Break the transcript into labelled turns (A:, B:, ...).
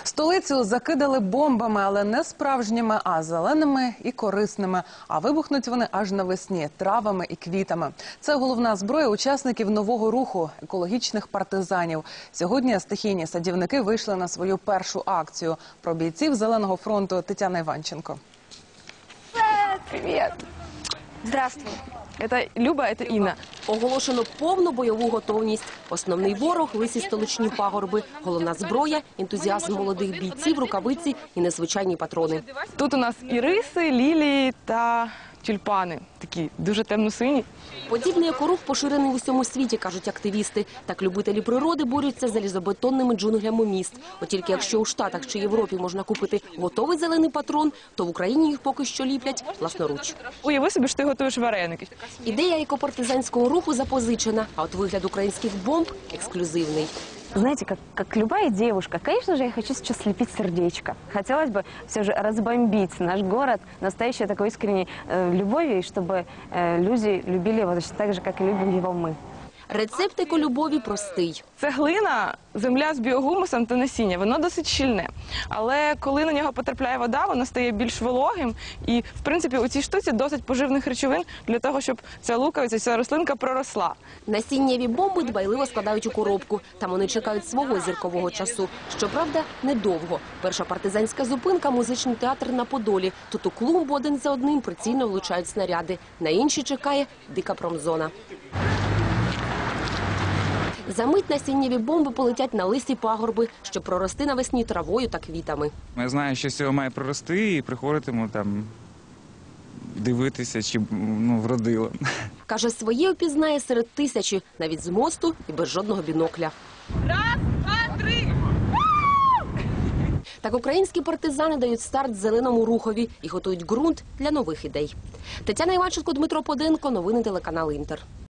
A: Столицю закидали бомбами, але не справжніми, а зеленими і корисними. А вибухнуть вони аж навесні – травами і квітами. Це головна зброя учасників нового руху – екологічних партизанів. Сьогодні стихійні садівники вийшли на свою першу акцію. Про бійців Зеленого фронту Тетяна Іванченко.
B: Привет! Здравствуй. Это Люба, это Інна.
C: Оголошено повну бойову готовність. Основний ворог – лисі столичні пагорби. Головна зброя – ентузіазм молодих бійців, рукавиці і незвичайні патрони.
B: Тут у нас іриси, лілії та тюльпани. Такі дуже темно-сині.
C: Подібний екорух поширений в усьому світі, кажуть активісти. Так любителі природи борються з залізобетонними джунглями міст. От тільки якщо у Штатах чи Європі можна купити готовий зелений патрон, то в Україні їх поки що ліплять власноруч.
B: Уяви собі, що ти готуєш вареники.
C: Ідея екопартизанського руху запозичена, а от вигляд українських бомб – ексклюзивний.
D: Знаете, как любая девушка, конечно же, я хочу сейчас слепить сердечко. Хотелось бы все же разбомбить наш город настоящей такой искренней любовью, и чтобы люди любили его точно так же, как и любим его мы.
C: Рецепт еколюбові простий.
B: Це глина, земля з біогумусом та насіння. Воно досить щільне. Але коли на нього потрапляє вода, воно стає більш вологим. І, в принципі, у цій штуці досить поживних речовин для того, щоб ця луковиця, ця рослинка проросла.
C: Насіннєві бомби дбайливо складають у коробку. Там вони чекають свого зіркового часу. Щоправда, недовго. Перша партизанська зупинка – музичний театр на Подолі. Тут у клумбу один за одним прицільно влучають снаряди. На інші чекає дика промзона. Замить насіннєві бомби полетять на лисі пагорби, щоб прорости навесні травою та квітами.
E: Я знаю, що з цього має прорости, і приходитиму там дивитися, чи вродило.
C: Каже, своє опізнає серед тисячі, навіть з мосту і без жодного бінокля.
B: Раз, два, три!
C: Так українські партизани дають старт зеленому рухові і готують ґрунт для нових ідей. Тетяна Іванченко, Дмитро Поденко. Новини телеканал Інтер.